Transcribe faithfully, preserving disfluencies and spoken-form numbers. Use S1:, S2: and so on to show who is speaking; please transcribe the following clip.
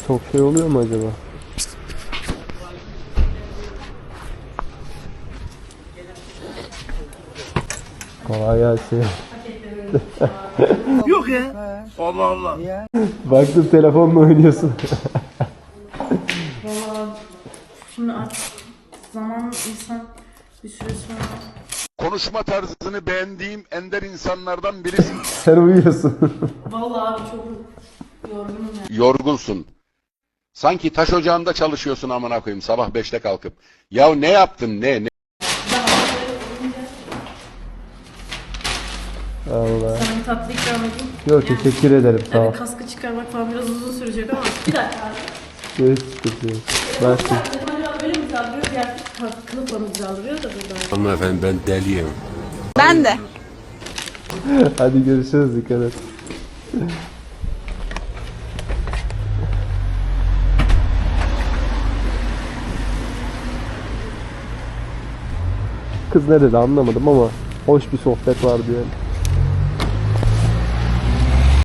S1: Çok şey oluyor mu acaba? Kolay gelsin.
S2: Yok ya. Allah Allah.
S1: Baktım telefonla oynuyorsun.
S3: Valla şimdi artık zaman insan bir süre sonra...
S4: Konuşma tarzını beğendiğim ender insanlardan birisin.
S1: Sen uyuyorsun.
S3: Valla abi çok yorgunum ya.
S4: Yorgunsun. Sanki taş ocağında çalışıyorsun amına koyayım sabah beşte kalkıp. Ya ne yaptın ne ne?
S1: Allah.
S3: Sana bir tatlı ikram edeyim.
S1: Yok teşekkür ederim sağ ol.
S3: Tabii kaskı çıkarmak falan biraz uzun sürecek ama bir dakika abi.
S1: Evet sıkıntı yok. Ben size-
S3: Dedim acaba böyle mi güzel duruyor, diğer kılıfla mı güzel duruyor da burada.
S5: Hanımefendi ben deliyim.
S6: Ben de.
S1: Hadi görüşürüz, dikkat et. Kız ne dedi anlamadım ama hoş bir sohbet vardı yani.